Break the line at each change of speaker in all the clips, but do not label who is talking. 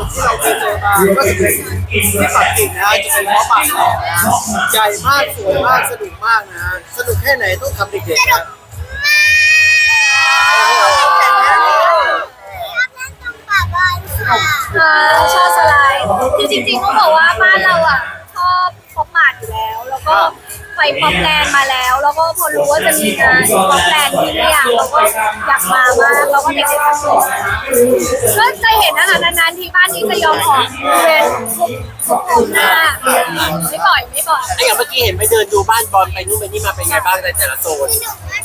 ที่เราเคยเจอมาก็จะเป็นที่ปักกิ่งนะฮะจะเป็นเพาะปากแดงนะฮะใหญ่มากสวยมากสนุกมากนะฮะสนุกแค่ไหนต้องทำเด็กๆนะ
ชอบสไลด์คือจริงๆต้องบอกว่าบ้านเราอ่ะชอบป๊อปมาร์ทอยู่แล้วแล้วก็ไปป๊อปแลนด์มาแล้วแล้วก็พอรู้ว่าจะมีงานป๊อปแลนด์ที่นี่เราก็อยากมามากเราก็เด็กๆทั้งหมดก็จะเห็นนะคะนานๆที่บ้านนี้จะยอมออกเรียนทุกคนหน้าไม่บ่อย
ไอ้อย่างเมื่อกี้เห็นไปเดินดูบ้านบอลไปนู่นไปนี่มาเป็นไงบ้างในแต่ละโซน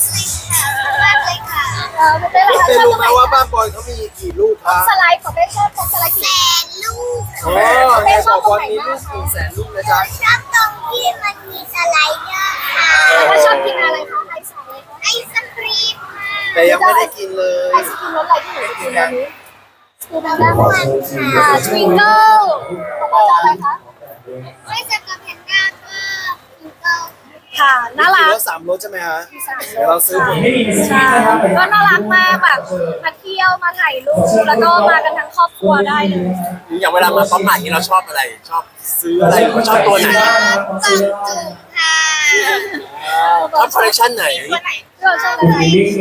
ไม่ได้ละ
เป็น
ชอบ
รู้
ตรง
ไห
ไห
ม
น
ว่าบ้านบอยเขามีกี่ลูกครับ
สไลด์ของเป้ชอบของสไลด์กี่ลูก
โอ้ในบอกบอลมีลูก100,000 ลูกนะจ๊ะ
ชอบตรงที่มันมีสไลเดอร์ค่ะ
แล้วชอบกินอะไรคะไอศครีมเลยคะ
ไอศครีมค่ะ
แต่ยังไม่ได้กินเลย
ไอศครีมรสอะไรที่หนูกินวันนี้คือน้ำ
น้ำมันค่ะ
ทวิงเกิลของเราจะอะไรคะ
ไม่จะกับแพนด้าก็พิงเกิล
ค่ะน่ารั
มี
ก
รถ3 รถใช่ไหมฮะเดี๋ยวเราซื้อหมด
ใช่ก็น่ารักมากแบบมาเที่ยวมาถ่ายรูปแล้วก็มากันทั้งครอบครัวได้เลย
อย่างเวลามาป๊อปมาร์ทนี่เราชอบอะไรชอบซื้ออะไรหรือว่าชอบตัวไหน
กล่องจุ่มค่ะ
ชอบคอลเลคชันไหน
เราชอบอะไร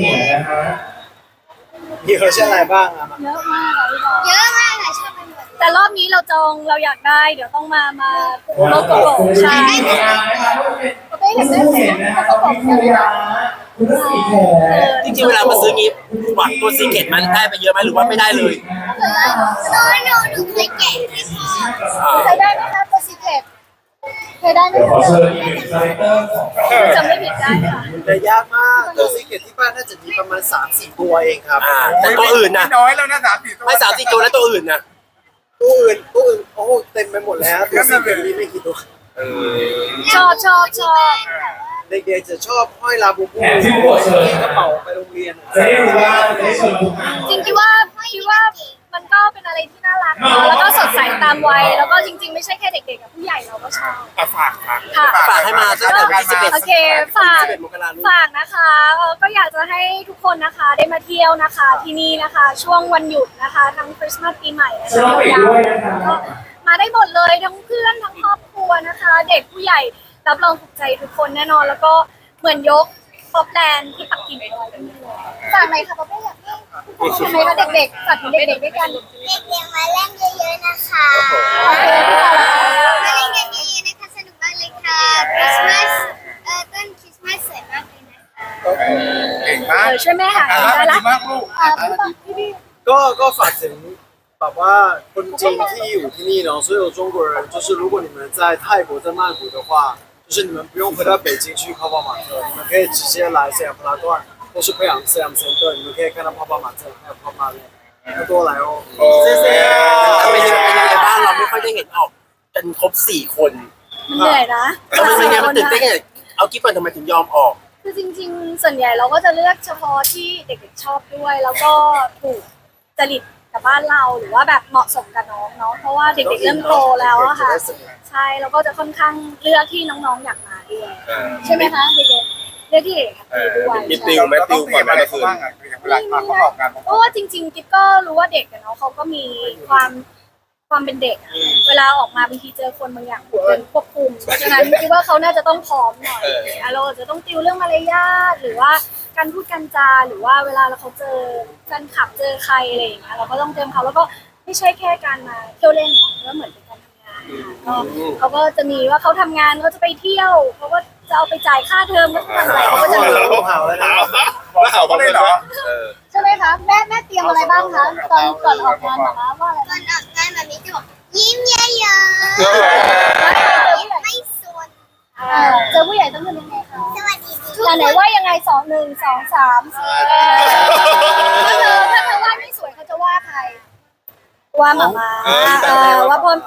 มีคอลเลคชันอะไรบ้างอะ
เยอะมากอะพี่บอล
เยอะมากค่ะชอบไปหมด
แต่รอบนี้เราจองเราอยากได้เดี๋ยวต้องมาโลโก้ใช่เราได้เห็นได้เลยเขาบอกเลย
จริงๆเวลามาซื้องี้หวังตัวซีเกตมันได้ไปเยอะไหมหรือว่าไม่ได้เลย
หนูเคยแกะให้พ่อ
เคยได้ไหมคะตัวซีเคร็ตเคยได้ไหมจำไม่ผิดได้ค่ะ
แต่ยากมากตัวซีเกตที่บ้านน่าจะมีประมาณ 3-4 ตัวเองครับ
แต่ตัวอื่นนะ
น้อยแล้วนะ3-4 ตัว
ไม่3-4ตัวแล้วตัวอื่นนะ
ตัวอื่นโอ้โหเต็มไปหมดแล้วตัวซีเกตมีไม่กี่ตัว
ชอบ
เด็กๆจะชอบห้อยลาบูบูที่กระเป๋าไปโรงเรียน
จะได้รู้ว่าในส่วนของงาน
จริงคิดว่ามันก็เป็นอะไรที่น่ารักเนาะแล้วก็สดใสตามวัยแล้วก็จริงๆไม่ใช่แค่เด็กๆกับผู้ใหญ่เราก็ชอบ
ฝากค่ะ
ค่ะ
ฝากให้มาตั้งแต่วันที่11
โอเคฝาก
11 มกราคม
ฝากนะคะก็อยากจะให้ทุกคนนะคะได้มาเที่ยวนะคะที่นี่นะคะ ช่วงวันหยุดนะคะทั้งคริสต์มาสปีใหม่นะคะยาวๆก็มาได้หมดเลยทั้งเพื่อนทั้งครอบครัวนะคะ เด็กผู้ใหญ่รับรองถูกใจทุกคนแน่นอนแล้วก็เหมือนยกป๊อปแลนด์ที่ปักกิ่งเอาไว้ที่นี่เลยฝากไหนอยค่ะป๊อปแลนด์อยากให้ทุกคนทำไมคะเด็กๆฝากถึงเด็กๆด้วยกัน
เด็กๆมาเล่นเยอะๆนะคะ
โอเคพี่ต่อละ
มาเล่นกันเยอะๆนะคะสนุกมากเลยค่ะคริสต์มาสต้นคริสต์มาสสวยมากเลยนะคะ
เก่งมาก
ช่วยแม่หาได้ละ
ดีมากลูก
ก็ฝากถึงแบบว่าคนจีนที่อยู่ที่นี่เนาะ所有中国人就是如果你们在泰国在曼谷的话就是你们不用回到北京去泡泡玛特你们可以直接来สยามพารากอน或是培养สยามเซ็นเตอร์你们可以看到泡泡玛特还有泡泡乐多来哦谢谢
เป็นยังไงบ้างเราไม่ค่อยได้เห็นออกกันครบ4 คน
มันเหนื่อยนะ
มันเป็นไงมันตื่นเต้นไงเอากิ๊บก่อนทำไมถึงยอมออก
คือจริงๆ ส่วนใหญ่เราก็จะเลือกเฉพาะที่เด็กๆชอบด้วย แล้วก็ถูกจริตกับบ้านเราหรือว่าแบบเหมาะสมกับน้องเนาะเพราะว่าเด็กๆเริ่มโตแล้วอะค่ะใช่แล้วก็จะค่อนข้างเลือกที่น้องๆอยากมาด้วยใช่ไหมคะเด็กๆเลือกที่เด็กๆด้วย
มีติวไหมติวก่อนมาเมื่อคืนเวลาเขาออกงาน
เพราะว่าจริงๆกิ๊บก็รู้ว่าเด็กอะเนาะเขาก็มีความเป็นเด็กอะเวลาออกมาบางทีเจอคนบางอย่างเป็นควบคุมเพราะฉะนั้นคิดว่าเขาน่าจะต้องพร้อมหน่อยเราจะต้องติวเรื่องมารยาทหรือว่าการพูดการจาหรือว่าเวลาเขาเจอแฟนคลับเจอใครอะไรอย่างเงี้ยเราก็ต้องเตรียมเขาแล้วก็ไม่ใช่แค่การมาเที่ยวเล่นก็เหมือนเป็นการทำงานก็เขาก็จะมีว่าเขาทำงานเขาจะไปเที่ยวเขาก็จะเอาไปจ่ายค่าเทอมก็ทำอะไรเขาก็จะมี
เห่าแล้วนะ
ว่าเขาเลยเหรอ
ใช่ไหมคะแม่เตรียมอะไรบ้างคะตอนก่อนออกงานมาว่าอะไร
ก่อนออกงานแบบนี้จะบอกยิ้มเยอะๆไม่สน
เจอผู้ใหญ่ต้องทำยังไงคะ
สวัสดีทุกค
อัน
น
ไหนว่ายังไง2 1 2 3 4ถ้าเธอว่าไม่สวยเขาจะว่าใครว่าหมามาว่าพ่น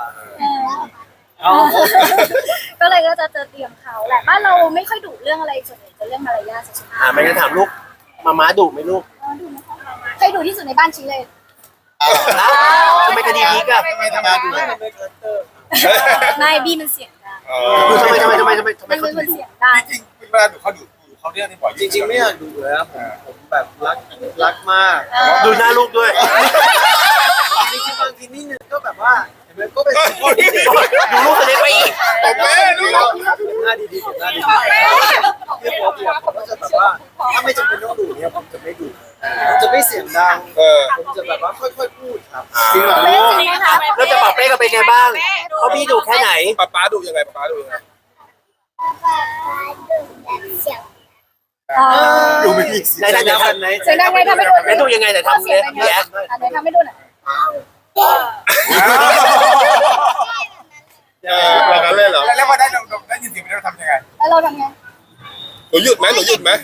ก็เลยก็จะเตรียมเขาแหละบ้านเราไม่ค่อยดุเรื่องอะไรส่วนใหญ่จะเรื่องมารยาทสุด
ไม่งั้นถามลูกมาม้าดุไหมลูก
ใครดุที่สุดในบ้านชี้เลย
ทำไมคดีพีกอะ
ทำไมทำงานอยู่
ไม่เป็นคาแรคเตอร์
ไม่บี้มันเสียงดัง
ทำไม
มัน
เขา
เป็น
ถึ
ค
ง
น
ดุ
เสียงดัง
จริงๆเวลาดูเขาดูเขาเรียกนี่บ่อย
จริงๆไม่อยากดูเลยนะผมแบบรักมาก
ดูหน้าลูกด้วย
จริงๆบางทีนิดนึงก็แบบว่าว่าเห็นไหมก็เป็นข้อดี
ดูลูกคนเล็กไปอีก
ตบแม่ดู
เราหน้าดีๆผมหน้าดีๆที่ผมก็จะแบบว่าถ้าไม่จำเป็นต้องดูเนี่ยผมจะไม่ดูผมจะไม่เสียงดังผมจะแบบว่าค่อยๆพูดครับ
จริงเหรอ
เล่นจริงไหมคะ
แล้วจะปรับเป้กันเป็นไงบ้างเขาพี่ดูแค่ไหน
ป๊าดูยังไงป๊าดูยังไง
เสียง
ดูไม่มีเสียงดังกันไหน
เสียงดังไงทำให้ดู
แล้วดูยังไงแต่ทำ
เสีย
เนี่
ง
ย
ดังไง
แย่
อันไหนทำให้ดูหน่อย
แบบนั้นเลยเหรอแล้วพอได้ยินเสียงเราทำยังไง
แล้วเราทำไง
หนูหยุดไหมหนูหยุดไหม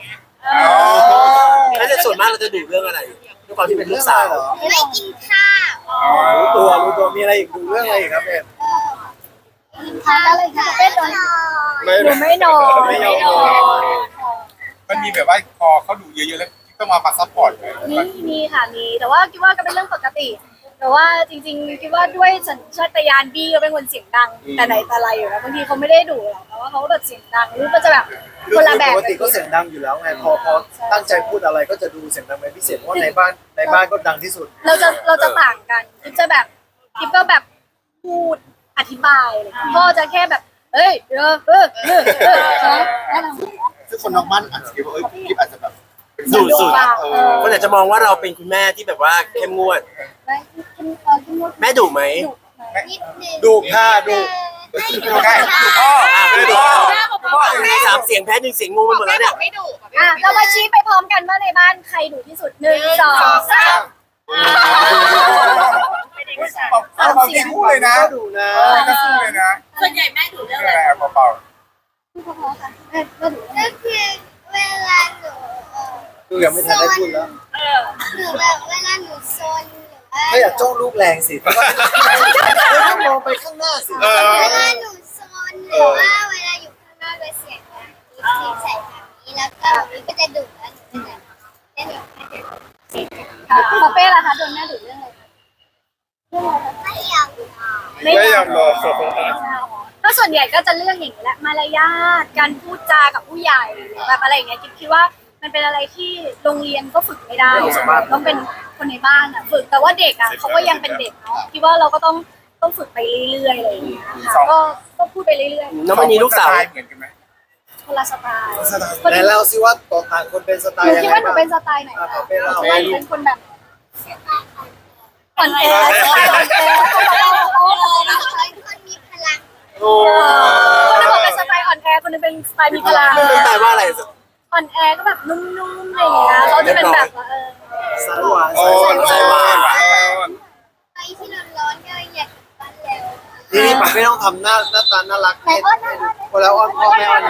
แล้วส่วนมากเราจะดูเรื่องอะไรด้วยความที่เป็นลูกสาว
เหรอ
ไม่กินข้าว
รู้ตัวมีอะไรอีกดูเรื่องอะไรอีกครับเอ็ม
กินข้าวอะไรค่ะเป็นนอน
หนูไม่นอน
ไม่ยอมนอน
มันมีแบบว่าพอเขาดูเยอะๆแล้วต้องมาซัพพอร์ตเลย
มีค่ะมีแต่ว่าคิดว่าก็เป็นเรื่องปกติ แต่ว่าจริงๆคิดว่าด้วยสัญชาตญาณบี้ก็เป็นคนเสียงดัง แต่ไหนแต่ไรอยู่แล้วบางทีเขาไม่ได้ดุหรอกแต่ว่าเขาแบบเสียงดังหรือก็จะแบบคนละแบบ
ปกติก็เสียงดังอยู่แล้วไงพอตั้งใจพูดอะไรก็จะดูเสียงดังเป็นพิเศษเพราะในบ้านก็ดังที่สุด
เราจะต่างกันคิดจะแบบคิดก็แบบพูดอธิบายเลยพ่อจะแค่แบบเอ้ยแล้วเรา
ซึ่งคนนอกบ้านอาจจะคิดว่าคลิปอาจจะแบบ
ดูสุด
เอ
คนอาจจะมองว่าเราเป็นคุณแม่ที่แบบว่าเข้มงวด แม่ดุไหม
นิดนึง
ดูค่าดู
ดูได้ดูพ่อดูพ่อ
สามเสียงแพ้หนึ่งเสียงงูไปหมดแล้วเนี่ย
เรามาชี้ไปพร้อมกันว่าในบ้านใครดุที่สุด1 2 3
เบาๆคู่เลยนะ
ก็ดูนะ
ก็คู่เลยนะ
ส่วนใหญ่แม่ดูเรื่องอะไร
เบา
ก็คือเวลาหนู
ดูยังไม่ทันได้พูดแล้ว
หนูแบบเวลาหนูซนหรือว่า
ถ้าอยากจ้องลูกแรงสิต้องมองไปข้างหน้าสิ
เวลาหนูซนหรือว่าเวลาอยู่ข้างนอกโดยเสียงดังที่ใส่แบบนี้แล้วก็มันก็จะดุแล้วหนูจะแบบเล่นแบบ
ปอเป้ล่ะคะโดนแม่ดุเรื่องอะไร
ไม่อยากนอน
ไม่ยอมรอ
ก็ส่วนใหญ่ก็จะเรื่องอย่างนี้แหละมารยาทการพูดจากับผู้ใหญ่หรือแบบอะไรอย่างเงี้ยคิดว่ามันเป็นอะไรที่โรงเรียนก็ฝึกไม่ได้ต้องเป็นคนในบ้านอ่ะฝึกแต่ว่าเด็กอ่ะเขาก็ยังเป็นเด็กเนาะคิดว่าเราก็ต้องฝึกไปเรื่อยๆอะไรอย่างเงี้ยค่ะก็พูดไปเรื่อย
น้องมันมีลูกสาว
เหมือนกันไหม
ๆคนละสไตล์
ไหนเล่าสิว่าต่างคนเป็นสไต
หนู
ล์ยัง
คิด
ไง
ว่าหนู
บ้าง
เป็นสไตล์ไหน
ปอเป้เล่า
เป็นคนแบบอ่อนแออ่อนแอ
คนมีพลัง
โอ้
คนนึงบอกเป็นสไตล์อ่อนแอคนนึงเป็นสไตล์มีพลัง
ไม่แปลว่าอะไร
อ่อนแอก็แบบนุ่มๆอะไรอย่างเงี้ยเขาจะเป็นแบบว่า
สายหวาน
โอ้
สายหวาน
ใจหวาน
ไอ้ที่ร้อนๆก็อยากกลับบ้านเร็ว
นี่ปอเป้ต้องทำหน้าตาน่ารักพอแล้วอ้อนพ่อแม่อ้อน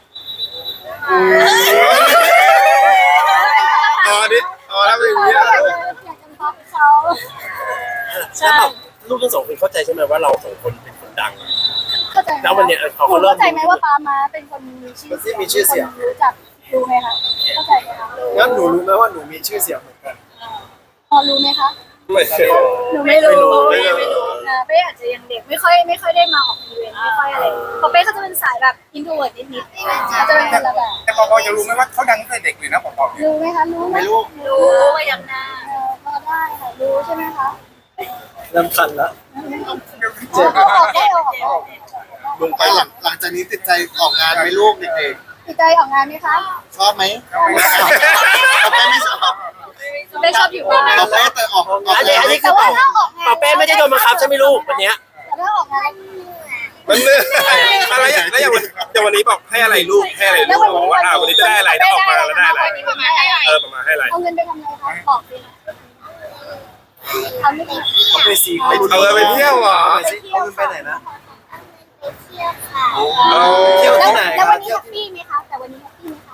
อ๋อนี่อ๋อถ้าเป็นอย่างนี้
อยากจะพับเขา
แล้วแบบลูกทั้งสองคนเข้าใจใช่ไหมว่าเราสองคนเป็นคนดัง
เข้าใจ
แล้ววันเนี้ยเขา
เข้า
เริ่ม
ใจไหมว่าป้ามาเป็นคนมีชื่อเสียงรู้จักรู้ไหมคะเข้าใจไหมคะ
งั้นหนูรู้ไหมว่าหนูมีชื่อเสียงเหมือนกัน
พอรู้ไหมคะ
ไม่ใช่
หนูไม่รู้เป้อาจจะยังเด็กไม่ค่อยได้มาออกอีเวนต์ไม่ค่อยอะไรพอเป้เขาจะเป็นสายแบบอินโทรเวิร์ดนิดๆจะเป็นคนละแบบ
แต่ปอจะรู้ไหมว่าเขาดังตั้งแต่เด็กเลยนะปอเนี่ย
รู้ไหมคะรู้ไหม
ไม่รู้
รู้ว่าอย่างน่าพอได้ค่ะรู้ใช่ไหมคะ
เริ่มคันแล้ว
เอาออกได้ออก
ลงไปหลังจากนี้ติดใจออกงานไหมลูกเด็ก
ติดใจออกงานไหมคะ
ๆชอบไหมเขาไม่ชอบ
เป้ชอบอยู่บ้าน
เขาไม่แต่ออก
อันนี้คือเป่าเป้ไม่ได้โดนบังคับใช่ไหมลูกวันเนี้ย
ถ้าออกงาน
มันเนื่อยอะไรแล้วอย่างวันนี้บอกให้อะไรลูกให้อะไรลูกบอกว่าวันนี้จะได้อะไรถ้าออกมาแล้วได้อะไรประมาณให้อะไร
เอาเงินไปทำอะไรคะบอกสิทำไม่ได้
เอาไปสี
เอาไปเที่ยวเหรอ
เอาไปไหนนะ
ไปเที่ยวค่ะ
เที่ยวที่ไหน
แล้ววันนี้แฮปปี้ไหมคะแต่วันนี้แฮปปี้ไหมคะ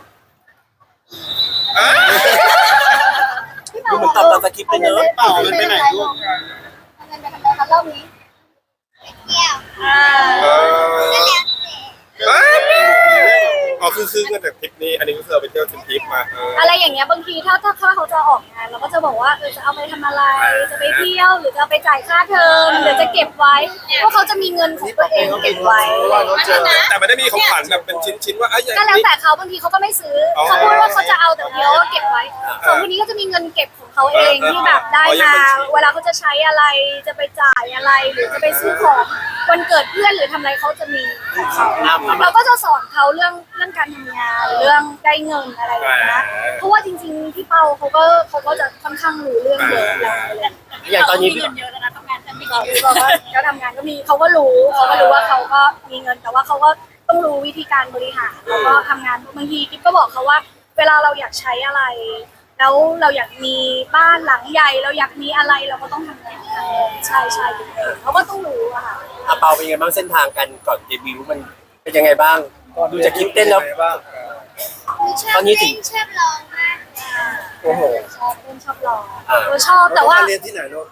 ดูเหมือนตอบตามสคริปต์ไปเนอะ
เปล่ามันไปไหนลูก
เอาเงินไปทำอะไรคะรอบนี้
ไปเที่ยว
เอ
ก็
อ
แล้วแต่
อ๋อคือเงินจากทริปนี้อันนี้ก็คือเอาไปเที่ยวทริปมา
อะไรอย่างเงี้ยบางทีถ้าเขาจะออกงานยเราก็จะบอกว่าจะเอาไปทำอะไรจะไปเที่ยวหรือจะเอาไปจ่ายค่าเทอมหรือจะเก็บไว้เพราะเขาจะมีเงินของตัวเองเก็บไว้
แต่ไม่ได้มีของขวัญแบบเป็นชิ้นๆว่าไอ้ย
ก็แล้วแต่เขาบางทีเขาก็ไม่ซื้อเขาพูดว่าเขาจะเอาแต่เดียวก็เก็บไว้ส่วนคนนี้ก็จะมีเงินเก็บของเขาเองที่แบบได้มาเวลาเขาจะใช้อะไรจะไปจ่ายอะไรหรือจะไปซื้อของวันเกิดเพื่อนหรือทำอะไรเขาจะมีของเขาเราก็จะสอนเขาเรื่องการทำงานเรื่องได้เงินอะไรอย่างเงี้ยเพราะว่าจริงๆพี่เปาเขาก็จะค่อนข้างรู้เรื่องเยอะแล้วอะไรอย่างเงี้ย
อย่างตอนนี้
ก็ทำงานก็มีเขาก็รู้ว่าเขาก็มีเงินแต่ว่าเขาก็ต้องรู้วิธีการบริหารแล้วก็ทำงานบางทีกิ๊บก็บอกเขาว่า เวลาเราอยากใช้อะไร แล้วเราอยากมีบ้านหลังใหญ่เราอยากมีอะไรเราก็ต้องทำงานใช่เขาก็ต้องรู้อะค่ะ
อาเปาเป็นยังไงบ้างเส้นทางกันก่อนเดบิวต์มันเป็นยังไงบ้างดูจากคลิปเต้นแล้ว
ตอนนี้ถึงชอบร้องมากเลย
โอ้โห
ชอบเล่นชอบร้องชอบแต่ว่า
เรียนที่ไหนลูก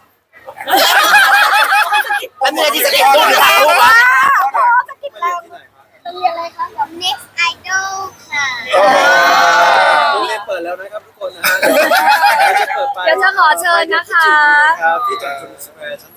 แล้วเมื่อที่จะเก็บรูปหรือถ่ายรูปวะ
จะกินแล้ว
ที่ไหนครับ
โรงเรียนอะไรคะ
กับ Next Idol ค่ะ
โรงเรียนเปิดแล้วนะครับทุกคนนะฮะจะเปิดไป
เดี๋ยวจะขอเชิญนะคะ
ครับที่จอมจุนสแควร์ชั้น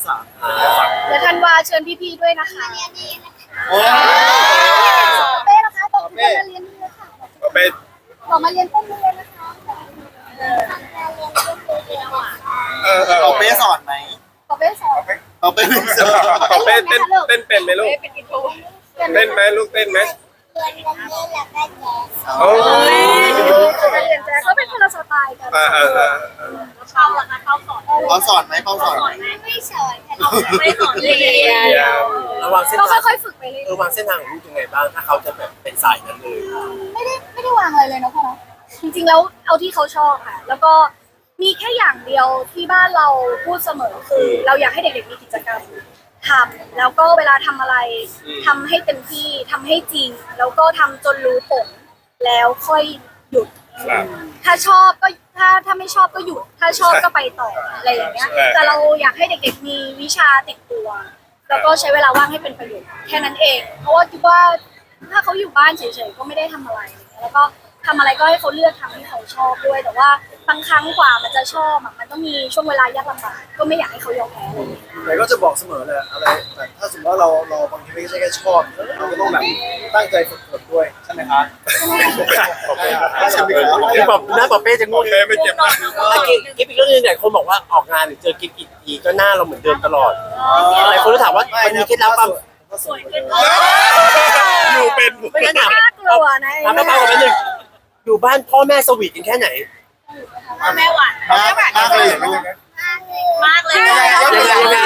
3
เดี๋ยวธันวาเชิญพี่ๆด้วยนะคะ
เรียนดีนะคะ
โอ้ย
เป้นะคะบอกพี่ๆมาเรียนนี่เลยค่ะ
ก็เป็น
บอกมาเรียนเต้นนี่เลยนะคะ
ทำงานเรียนก็คือเรียนอ่ะ
เอาเป้สอนไหม
ขอเป้สอน
เอาเป้ไม่สอน
ขอเป็นเป็นเป็นไหมลูก
เป็นอินโทร
เต้นไหมลูกเต้นไหม
เรียนวันนี้แล้วก็แจ๊ส
โอ้ย
เรียนแจ๊สก็เป็นคนละสไตล์กัน
เข้าแล้วนะเข้าสอน
เอาสอนไหมเป้าสอนไหม
ไม่สอนค่ะไม่สอนเรียน
ระวังเส้น
ก็
ทาง
ค่อยๆฝึกไปเรื่อยว
างเส้นทางของลูกยังไงบ้างถ้าเขาจะแบบเป็นสายนั้นเลย
ไม่ได้วางอะไรเลยนะพ่อเนาะจริงๆแล้วเอาที่เขาชอบค่ะ แล้วก็มีแค่อย่างเดียวที่บ้านเราพูดเสมอคือเราอยากให้เด็กๆมีกิจกรรมทำแล้วก็เวลาทำอะไรทำให้เต็มที่ทำให้จริง แล้วก็ทำจนรู้ผลแล้วค่อยหยุด
ครับ
ถ้าชอบก็ถ้าไม่ชอบก็หยุด ถ้าชอบก็ไปต่ออะไรอย่างเงี้ย แต่เราอยากให้เด็กๆมีวิชาติดตัว แล้วก็ใช้เวลาว่างให้เป็นประโยชน์แค่นั้นเอง เพราะว่าคิดว่าถ้าเขาอยู่บ้านเฉยๆก็ไม่ได้ทำอะไร แล้วก็ทำอะไรก็ให้เขาเลือกทำที่เขาชอบด้วย แต่ว่าบางครั้งกว่ามันจะชอบอะมันต้องมีช่วงเวลายากลำบากก็ไม่อยากให้เขายอมแพ้เลย
แต่ก็จะบอกเสมอเลยอะไรแต่ถ้าสมมติว่าเราบางทีไม่ใช่แค่ชอบเราก็ต้องแบบตั้งใจฝึกฝนด้วยใช่ไหมครับ
ใช่ไหมครับ
พี่บอกหน้าปอเป้จะง
โอง เคไม่เจ็บนะ
กิ๊บอีกเรื่องนึงเนี่ยคนบอกว่าออกงานหรือเจอกิ๊บอีกทีก็หน้าเราเหมือนเดิมตลอดหลายคนก็ถามว่ามันมีเคล็ดลับความ
สวยขึ้น
อยู่เป็น
ไม่งั้นถาม
น่ากลัวนะ
ถามป้าๆกันนิดนึงอยู่บ้านพ่อแม่สวีทกันแค่ไหน
แม่หวาน
มากเลยเห็นไหม
มากเลย
ยังไง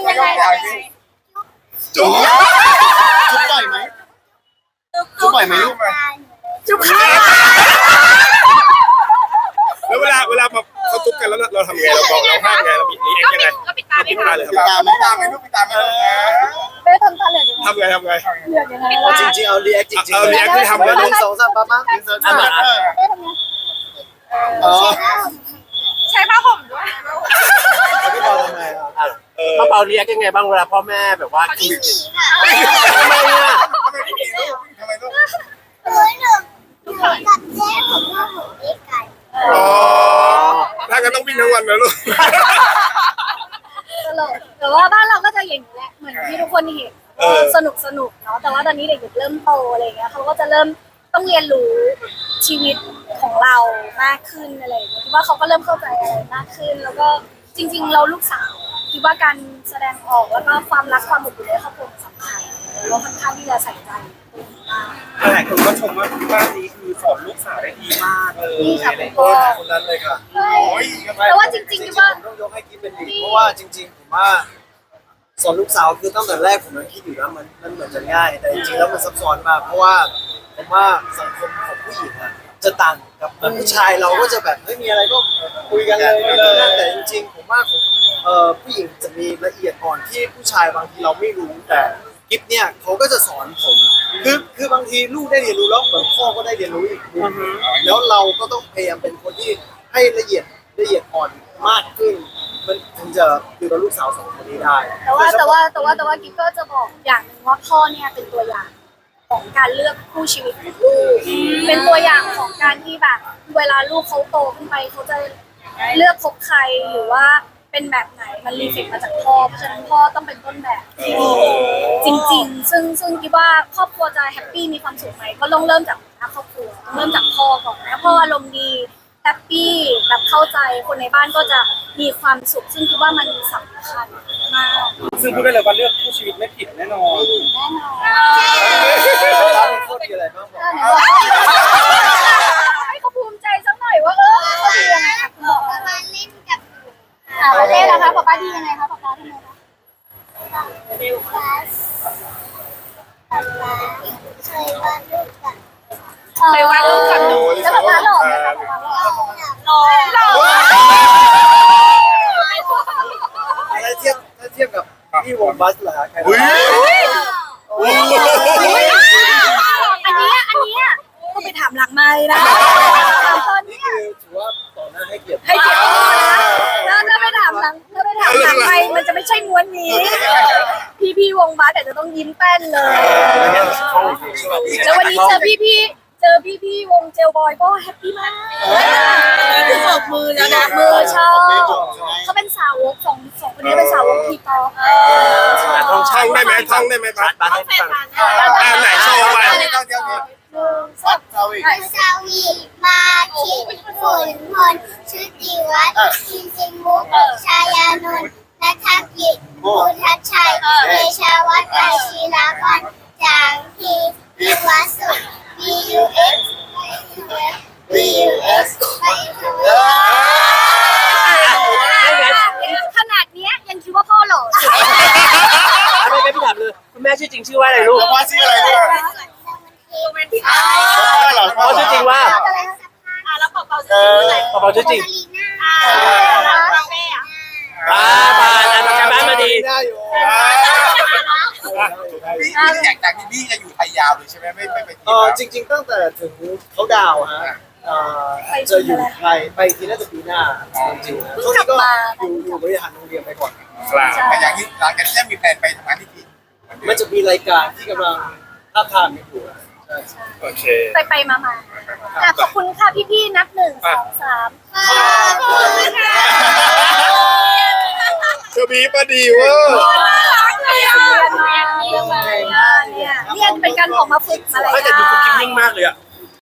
จุ๊บจุ๊บบ่อยไหมจุ๊บบ่อยไหมลูก
จุ๊บค่ะ
แล้วเวลาเขาจุ๊บกันแล้วเราทำไงเราบอกเราห้ามไงเรามีเอ็กยังไง
ก็ปิดตา
ปิดตาเลยค
ปิด
รับ
ตาไหมตาไหมลูกปิดตาไหม
ไม่ทำตาเหลือก
ทำไง
เหลือกยังไง
จริงๆเอารีแอคจริงๆ
เอา react ที่ทำ
1 2 3ปั๊บ
อ๋อ
ใช้ผ้าห่มด้วย
พี่บอลทำไงครับ
ป้าเปาเรียกยังไงบ้างเวลาพ่อแม่แบบว่า
ไม่หนีค่ะ
ทำไมอ่ะ
ทำไมลูก
เฮ้ยหนูกับแจ๊ผมว่าผมไม่กัน
อ๋อถ้างั้นต้องวิ่งทั้งวันนะลูก
ตลกแต่ว่าบ้านเราก็จะอย่างนี้แหละเหมือนที่ทุกคนเห็นสนุกเนาะแต่ว่าตอนนี้เด็กๆเริ่มโตอะไรเงี้ยเขาก็จะเริ่มต้องเรียนรู้ชีวิตของเรามากขึ้นอะไรอย่างเงี้ยคิดว่าเขาก็เริ่มเข้าใจอะไรมากขึ้น แล้วก็จริง ๆ เราลูกสาวคิดว่าการแสดงออกแล้วก็ความรักความอบอุ่นในครอบครัวสำคัญเราค่อนข้างที่จะใส่ใจตรงนี้มาก
หลายคนก็ชมว่าบ้านนี้คือสอนลูกสาวได้ดีมากเลย
นี่ค่ะคุณ
โอ้
พ่อ
คนนั้นเลยค่ะ
ใช่แต่ว่าจริงๆคิดว่า
ผมต้องยกให้กิ๊บเป็นดีเพราะว่าจริงๆผมว่าสอนลูกสาวคือตั้งแต่แรกผมยังคิดอยู่นะมันเหมือนจะง่าย แต่จริงๆแล้วมันซับซ้อนมากเพราะว่าผมว่าสังคมของผู้หญิงอะจะต่างกับผู้ชายเราก็จะแบบไม่มีอะไรก็คุยกันเลยแต่จริงๆผมว่าผู้หญิงจะมีละเอียดอ่อนที่ผู้ชายบางทีเราไม่รู้แต่กิ๊บเนี่ยเขาก็จะสอนผมคือบางทีลูกได้เรียนรู้แล้วเหมือนพ่อก็ได้เรียนรู้อีกแล้วเราก็ต้องพยายามเป็นคนที่ให้ละเอียดอ่อนมากขึ้นมันถึงจะดูแลลูกสาวสองคนนี้ได้
แต่ว่ากิ๊กก็จะบอกอย่างหนึ่งว่าพ่อเนี่ยเป็นตัวอย่างของการเลือกคู่ชีวิตของลูกเป็นตัวอย่างของการที่แบบเวลาลูกเขาโตขึ้นไปเขาจะเลือกคบใครหรือว่าเป็นแบบไหนมันรีเฟกมาจากพ่อเพราะฉะนั้นพ่อต้องเป็นต้นแบบที่ดีจริงๆซึ่งคิดว่าครอบครัวจะแฮปปี้มีความสุขไหมก็ต้องเริ่มจากครอบครัวต้องเริ่มจากพ่อก่อนนะพ่ออารมณ์ดีแฮปปี้แบบเข้าใจคนในบ้านก็จะมีความสุขซึ่งคิดว่ามันสำคัญมาก
ซึ่งพูดได้เลยว่าเลือกคู่ชีวิตไม่ผิดแน่นอน
แน่นอน
ร้านโคตรดีอะไรบ้างบอก
ให้เขาภูมิใจสักหน่อยว่าเขาดียังไงคะคุณบอก
มาเล่นกับหนู
ประเทศนะคะป๊าป้าดียังไงคะป๊าป้าทำไมคะ
คลาสป๊าป๊าเคยวาดรูปกับ
เคยวาดรูปกับหนูแล้วป๊าป้าหล่อไหมคะป๊าป้าหล่อ
หล่อ
ถ้าเทียบกับพี่วงบัสเหรอฮะใคร
อุ้ย
อันเนี้ยก็ไปถามหลังไม้นะถามตอน
นี่
เนี้ย
คือถือว่าต่อหน้าให้เกียรติ
ให้เกียรติพ่อนะแล้วถ้าไปถามหลังไม้มันจะไม่ใช่ม้วนนี้ พี่วงบัสแต่จะต้องยิ้มแป้นเลย แล้ววันนี้เจอพี่วงเจลบอยก็แฮปปี้มากนี่คือเบิกมือแล้วนะมือชอบเขาเป็นสาวกของสองคนนี้เป็นสาวกทีป๊อป
ท่องได้ไหมท่องได้ไหมครับ
บ้านให้ฟัง
ไหนโชว์ไป
วัดเซาอีก
สาวีมาคิดฝนพลชุติวัฒน์ชินจิมุกชายานนท์นัทกิจพุทธชัยเดชาวัฒน์อาชีรากรจางพีวิวัฒน์สุข BUX BUX
ขนาดเนี้ยยังคิดว่าพ่อหล่อ
ไม่พี่ถามเลยคุณแม่ชื่อจริงชื่อว่าอะไรลูก
แล้วว่าชื่ออะไรด้วยพ่อเหรอ
พ่อชื่อจริงว่า
แล้วเป่า
พ่อชื่อจริง
ลีน่า
ผ่านอันจากบ้านมาดี
ได้อยู่
อยากจากที่นี่จะอยู่ไทยยาวเลยใช่ไหมไม่ไปที่
จริงๆตั้งแต่ถึงเขาดาวฮะจะอยู่ไทยไปทีน่าจะปีหน้าจริงๆนะช่วงนี้ก็อยู่บริหารโรงเรียนไปก่อน
ครับ
แต่อย่างนี้หลังจากนี้มีแผนไปทำงานที่จีน
มันจะมีรายการที่กำลังท้าบทามอยู่ใช่
โอเค
ไปมาขอบคุณค่ะพี่ๆนับ1 2 3
เธอบีปดีเวอร์
เรียนเป็นการออกมาฝึกอะไร
ไม่แต่ดูคุกกิ้งนิ่งมากเลยอ่ะ